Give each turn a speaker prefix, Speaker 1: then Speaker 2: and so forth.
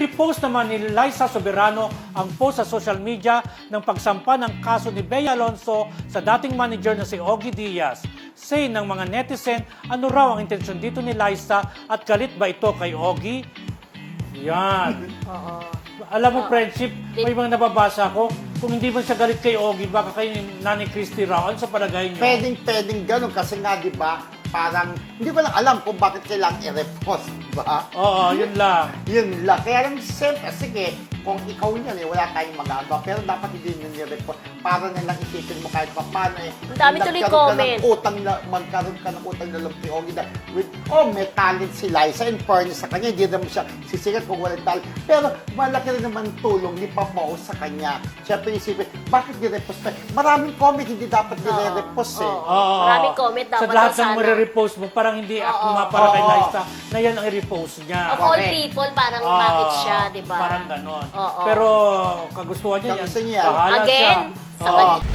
Speaker 1: Ni-repost naman ni Liza Soberano ang post sa social media ng pagsampa ng kaso ni Bea Alonso sa dating manager na si Ogie Diaz. Say ng mga netizen, ano raw ang intensyon dito ni Liza at galit ba ito kay Ogie? Yan. Alam mo, friendship, may mga nababasa ko. Kung hindi man siya galit kay Ogie, baka kay Nanay Christy raw. Ano sa palagay niyo?
Speaker 2: Pwedeng ganun kasi nga, di ba, parang, hindi ko lang alam kung bakit kailangan i-repost, di ba?
Speaker 1: Oo, yun lang.
Speaker 2: Yun lang. Kaya lang, siyempre, sige, kung ikaw yan, wala tayong magagawa. Pero dapat hindi nyo ni-repost. Para nalang isipin mo kahit pa paano
Speaker 3: Ang dami tuloy comment.
Speaker 2: Magkaroon ka ng utang na loob kay Ogie na, may talent si Liza. In fairness sa kanya, hindi naman siya sisikat kung walang talent. Pero malaki rin naman tulong ni Papa O sa kanya. Siyempre, isipin, bakit ni-repost pa? Maraming comment, hindi dapat ni-repost eh.
Speaker 1: Oo.
Speaker 3: Maraming comment dapat
Speaker 1: sa lahat
Speaker 3: sana.
Speaker 1: ng marirepost mo, parang hindi ako para kay Liza na yan ang i-repost niya.
Speaker 3: Of all
Speaker 2: Correct.
Speaker 3: people, parang bakit siya, di ba?
Speaker 1: Parang ganon.
Speaker 3: Oo.
Speaker 1: Pero kagustuhan niya yan.
Speaker 2: Kagusto niya.
Speaker 1: Bahala
Speaker 3: Again,
Speaker 1: siya.
Speaker 3: sa
Speaker 1: Oo.
Speaker 3: kanya.